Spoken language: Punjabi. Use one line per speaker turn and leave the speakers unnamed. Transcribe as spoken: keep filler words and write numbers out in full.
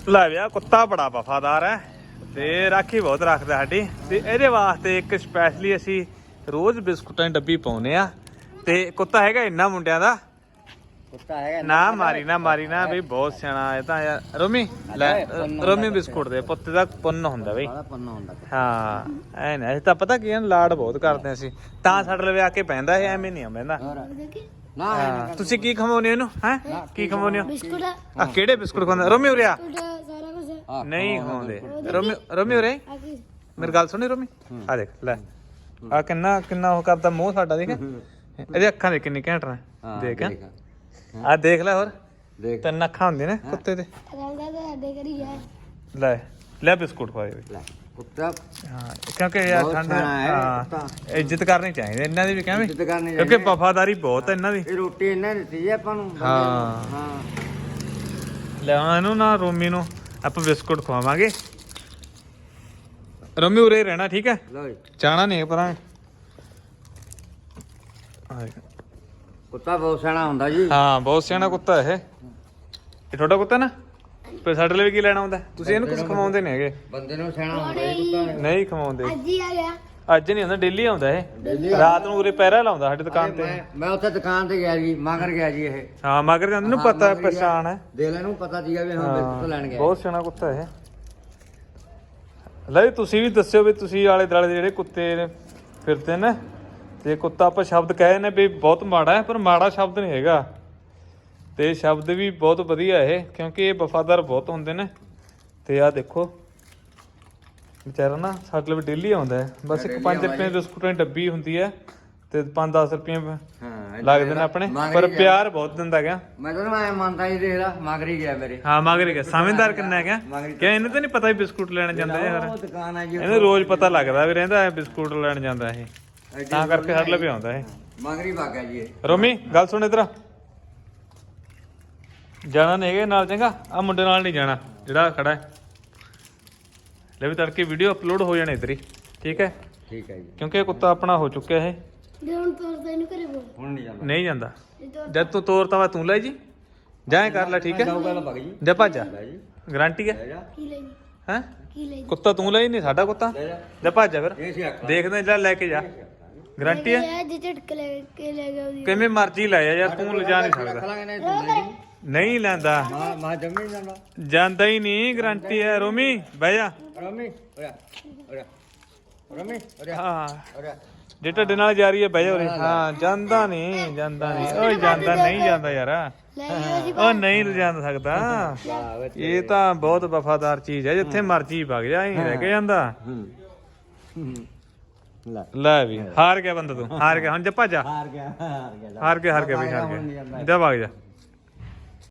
ਲੈ ਵਿਆ ਕੁੱਤਾ ਬੜਾ ਵਫਾਦਾਰ ਹੈ ਤੇ ਰਾਖੀ ਬਹੁਤ ਰੱਖਦਾ ਸਾਡੀ ਤੇ ਇਹਦੇ ਵਾਸਤੇ ਇੱਕ ਸਪੈਸ਼ਲੀ ਅਸੀਂ ਰੋਜ਼ ਬਿਸਕੁਟਾਂ ਦੀ ਡੱਬੀ ਪਾਉਨੇ ਆ ਤੇ ਕੁੱਤਾ ਹੈਗਾ ਇੰਨਾ ਮੁੰਡਿਆਂ ਦਾ
ਕੁੱਤਾ ਹੈਗਾ
ਨਾ ਮਾਰੀ ਨਾ ਮਾਰੀ ਨਾ ਬਈ ਬਹੁਤ ਸਿਆਣਾ ਇਹ ਤਾਂ ਯਾਰ ਰੋਮੀ ਲੈ ਰੋਮੀ ਬਿਸਕੁਟ ਦੇ ਪੁੱਤ ਦਾ ਪੁੰਨ ਹੁੰਦਾ ਬਈ
ਪੰਨਾ ਹੁੰਦਾ
ਹਾਂ ਐ ਨਾ ਇਹ ਤਾਂ ਪਤਾ ਕੀ ਲਾਡ ਬਹੁਤ ਕਰਦੇ ਅਸੀਂ ਤਾਂ ਸਾਡੇ ਲਵੇ ਆ ਕੇ ਪੈਂਦਾ ਇਹ ਐਵੇਂ ਨਹੀਂ ਪੈਂਦਾ
ਨਾ
ਤੁਸੀਂ ਕੀ ਖਵਾਉਨੇ ਇਹਨੂੰ ਹੈ ਕੀ ਖਵਾਉਨੇ ਹੋ
ਬਿਸਕੁਟ
ਆ ਕਿਹੜੇ ਬਿਸਕੁਟ ਖਵਾਉਂਦੇ ਰੋਮੀ ਉਰਿਆ
ਸਾਰਾ ਕੁਝ
ਨਹੀਂ ਖਵਾਉਂਦੇ ਰੋਮੀ ਰੋਮੀ ਉਰੇ ਮੇਰੀ ਗੱਲ ਸੁਣੀ ਰੋਮੀ ਆ ਦੇਖ ਲੈ ਆ ਕਿੰਨਾ ਕਿੰਨਾ ਉਹ ਕਰਦਾ ਮੂੰਹ ਸਾਡਾ ਦੇਖ ਇਹਦੇ ਅੱਖਾਂ ਦੇ ਕਿੰਨੀ ਘੈਂਟ ਨੇ ਦੇਖ ਆ ਦੇਖ ਲੈ ਹੋਰ
ਦੇਖ
ਤਿੰਨ ਅੱਖਾਂ ਹੁੰਦੀਆਂ ਨੇ ਕੁੱਤੇ ਦੇ
ਰਹਿੰਦਾ ਤਾਂ ਸਾਡੇ ਕਰੀ ਹੈ
ਲੈ ਲੈ ਬਿਸਕੁਟ ਖਵਾਏ
ਲੈ ਕੁੱਤਾ
ਹਾਂ ਕਿਉਂਕਿ ਯਾਰ ਠੰਡ ਹਾਂ ਇੱਜ਼ਤ ਕਰਨੀ ਚਾਹੀਦੀ ਇਹਨਾਂ ਦੀ ਵੀ ਕਿਵੇਂ
ਇੱਜ਼ਤ ਕਰਨੀ
ਕਿਉਂਕਿ ਵਫਾਦਾਰੀ ਬਹੁਤ ਹੈ ਇਹਨਾਂ ਦੀ
ਇਹ ਰੋਟੀ ਇਹਨਾਂ ਨੇ ਦਿੱਤੀ ਜੀ ਆਪਾਂ ਨੂੰ
ਹਾਂ
ਹਾਂ
ਲੈ ਹੁਣ ਇਹਨੂੰ ਨਾ ਰੋਮੀ ਨੂੰ ਆਪਾਂ ਬਿਸਕੁਟ ਖਵਾਵਾਂਗੇ ਰੋਮੀ ਉਰੇ ਰਹਿਣਾ ਠੀਕ ਹੈ
ਲੋ ਜੀ
ਜਾਣਾ ਨਹੀਂ ਪਰਾਂ
ਕੁੱਤਾ ਬਹੁਤ ਸਿਆਣਾ ਹੁੰਦਾ ਜੀ
ਹਾਂ ਬਹੁਤ ਸਿਆਣਾ ਕੁੱਤਾ ਇਹ ਇਹ ਤੁਹਾਡਾ ਕੁੱਤਾ ਨਾ ਪਰ ਸਾਡੇ ਲਈ ਕੀ ਲੈਣਾ ਹੁੰਦਾ ਤੁਸੀਂ ਇਹਨੂੰ ਕੁਝ ਖਵਾਉਂਦੇ ਨਹੀਂ ਹੈਗੇ
ਬੰਦੇ ਨੂੰ ਸਿਆਣਾ ਹੁੰਦਾ ਜੀ ਕੁੱਤਾ
ਨਹੀਂ ਖਵਾਉਂਦੇ
ਅੱਜ ਹੀ ਆ ਗਿਆ
ਅੱਜ ਨਹੀਂ ਹੁੰਦਾ ਡੇਲੀ ਆਉਂਦਾ ਇਹ ਰਾਤ ਨੂੰ ਉਰੇ ਪਹਿਰਾ ਲਾਉਂਦਾ ਸਾਡੀ ਦੁਕਾਨ ਤੇ
ਮੈਂ ਮੈਂ ਉੱਥੇ ਦੁਕਾਨ ਤੇ ਗਿਆ ਜੀ ਮਗਰ ਗਿਆ ਜੀ ਇਹ
ਹਾਂ ਮਗਰ ਜਾਂਦੇ ਨੂੰ ਪਤਾ ਪਛਾਣ ਹੈ
ਦੇ ਲੈ ਨੂੰ ਪਤਾ ਸੀਗਾ ਵੀ ਹਾਂ ਬਿਸਕੁਟ ਲੈਣ ਗਿਆ
ਬਹੁਤ ਸਿਆਣਾ ਕੁੱਤਾ ਇਹ ਲੈ ਤੁਸੀਂ ਵੀ ਦੱਸਿਓ ਵੀ ਤੁਸੀਂ ਆਲੇ ਦੁਆਲੇ ਦੇ ਜਿਹੜੇ ਕੁੱਤੇ ਫਿਰਦੇ ਨੇ ਤੇ ਕੁੱਤਾ ਆਪਾਂ ਸ਼ਬਦ ਕਹੇ ਨੇ ਵੀ ਬਹੁਤ ਮਾੜਾ ਹੈ ਪਰ ਮਾੜਾ ਸ਼ਬਦ ਨਹੀਂ ਹੈਗਾ ਤੇ ਸ਼ਬਦ ਵੀ ਬਹੁਤ ਵਧੀਆ ਇਹ ਕਿਉਂਕਿ ਇਹ ਵਫਾਦਾਰ ਬਹੁਤ ਹੁੰਦੇ ਨੇ ਤੇ ਆਹ ਦੇਖੋ ਵਿਚਾਰਾ ਨਾ ਸਾਡੇ ਲਈ ਡੇਲੀ ਆਉਂਦਾ ਹੈ ਬਸ ਇੱਕ ਪੰਜ ਰੁਪਏ ਬਿਸਕੁਟਾਂ ਦੀ ਡੱਬੀ ਹੁੰਦੀ ਹੈ ਤੇ ਪੰਜ ਦਸ ਰੁਪਏ
ਹਾਂ
ਲੱਗਦੇ ਨੇ ਆਪਣੇ ਪਰ ਪਿਆਰ ਬਹੁਤ ਦਿੰਦਾ ਗਿਆ
ਮੈਂ ਤਾਂ ਮੈਂ ਮੰਨਦਾ ਹੀ ਦੇਖ ਲਾ ਮਗਰ ਹੀ ਗਿਆ ਮੇਰੇ
ਹਾਂ ਮਗਰ ਗਿਆ ਸਮਝਦਾਰ ਕਿੰਨਾ ਹੈਗਾ ਕਿ ਇਹਨੂੰ ਤਾਂ ਨਹੀਂ ਪਤਾ ਵੀ ਬਿਸਕੁਟ ਲੈਣ ਜਾਂਦਾ ਯਾਰ
ਉਹ ਦੁਕਾਨ ਆ ਜੀ
ਇਹਨੂੰ ਰੋਜ਼ ਪਤਾ ਲੱਗਦਾ ਵੀ ਰਹਿੰਦਾ ਹੈ ਬਿਸਕੁਟ ਲੈਣ ਜਾਂਦਾ ਇਹ ਤਾਂ ਕਰਕੇ ਸਾਡੇ ਲਈ ਆਉਂਦਾ ਇਹ
ਮਗਰ ਹੀ ਵਗ ਗਿਆ ਜੀ ਇਹ
ਰੋਮੀ ਗੱਲ ਸੁਣ ਇਧਰ ਜਾਣਾ ਨਹੀਂ ਹੈਗਾ ਨਾਲ ਚੰਗਾ ਆ ਮੁੰਡੇ ਨਾਲ ਨਹੀਂ ਜਾਣਾ ਜਿਹੜਾ ਖੜਾ ਹੈ ਲੈ ਵੀ ਤੜਕੇ ਵੀਡੀਓ ਅਪਲੋਡ ਹੋ ਜਾਣੇ ਇਧਰ ਹੀ ਠੀਕ ਹੈ
ਠੀਕ ਹੈ ਜੀ
ਕਿਉਂਕਿ ਇਹ ਕੁੱਤਾ ਆਪਣਾ ਹੋ ਚੁੱਕਿਆ ਇਹ
ਜੇ ਹੁਣ ਤੋਰਦਾ ਇਹਨੂੰ ਘਰੇ ਬੋਲ
ਹੁਣ ਨਹੀਂ ਜਾਂਦਾ
ਨਹੀਂ ਜਾਂਦਾ ਜਦ ਤੂੰ ਤੋਰਤਾ ਵਾ ਤੂੰ ਲੈ ਜੀ ਜਾਏ ਕਰ ਲੈ ਠੀਕ ਹੈ
ਜਾਊਗਾ ਤਾਂ ਵਗ ਜੀ
ਜਾ ਭੱਜ
ਲੈ ਜੀ
ਗਾਰੰਟੀ ਹੈ
ਲੈ ਜਾ
ਕੀ ਲਈ
ਹੈ
ਕੀ ਲਈ
ਕੁੱਤਾ ਤੂੰ ਲੈ ਨਹੀਂ ਸਾਡਾ ਕੁੱਤਾ
ਲੈ ਜਾ
ਜਾ ਭੱਜ ਜਾ ਫਿਰ
ਇਹ ਸੀ ਅੱਖ
ਦੇਖਦੇ ਜਾ ਲੈ ਕੇ ਜਾ ਗਾਰੰਟੀ ਹੈ
ਇਹ ਜੇ ਝਟਕ ਲੈ ਕੇ ਲੈ ਗਿਆ ਉਹਦੀ
ਕਿਵੇਂ ਮਰਜ਼ੀ ਲੈ ਜਾ ਯਾਰ ਤੂੰ ਲਿਜਾ ਨਹੀਂ ਸਕਦਾ
ਖਲਾਂਗੇ ਨੇ ਤੂੰ ਲੈ ਜੀ
ਨਹੀਂ ਲੈਂਦਾ
ਮਾ ਮਾ ਜੰਮੀ ਜਾਂਦਾ
ਜਾਂਦਾ ਹੀ ਨਹੀਂ ਗਾਰੰਟੀ ਹੈ ਰੋਮੀ ਬਹਿ ਜਾ
ਰਮੀ ਓਰਾ ਓਰਾ ਰਮੀ ਓਰਾ
ਹਾਂ
ਓਰਾ
ਜੇ ਤੁਹਾਡੇ ਨਾਲ ਜਾ ਰਹੀ ਹੈ ਬਹਿ ਜਾ ਉਰੇ ਹਾਂ ਜਾਂਦਾ ਨਹੀਂ ਜਾਂਦਾ ਨਹੀਂ ਓਏ ਜਾਂਦਾ ਨਹੀਂ ਜਾਂਦਾ ਯਾਰ
ਲੈ ਗਿਆ ਜੀ
ਉਹ ਨਹੀਂ ਲਿਜਾਂਦਾ ਸਕਦਾ ਇਹ ਤਾਂ ਬਹੁਤ ਵਫਾਦਾਰ ਚੀਜ਼ ਹੈ ਜਿੱਥੇ ਮਰਜ਼ੀ ਵਗ ਜਾ ਹੀ ਰਹਿ ਕੇ ਜਾਂਦਾ
ਹੂੰ ਲੈ
ਲੈ ਵੀ ਹਾਰ ਗਿਆ ਬੰਦਾ ਤੂੰ ਹਾਰ ਗਿਆ ਹੁਣ ਜਾ ਭੱਜ ਜਾ
ਹਾਰ ਗਿਆ ਹਾਰ ਗਿਆ
ਹਾਰ ਗਿਆ ਹਾਰ ਗਿਆ ਬਈ ਹਾਰ ਗਿਆ ਜਾ ਵਗ ਜਾ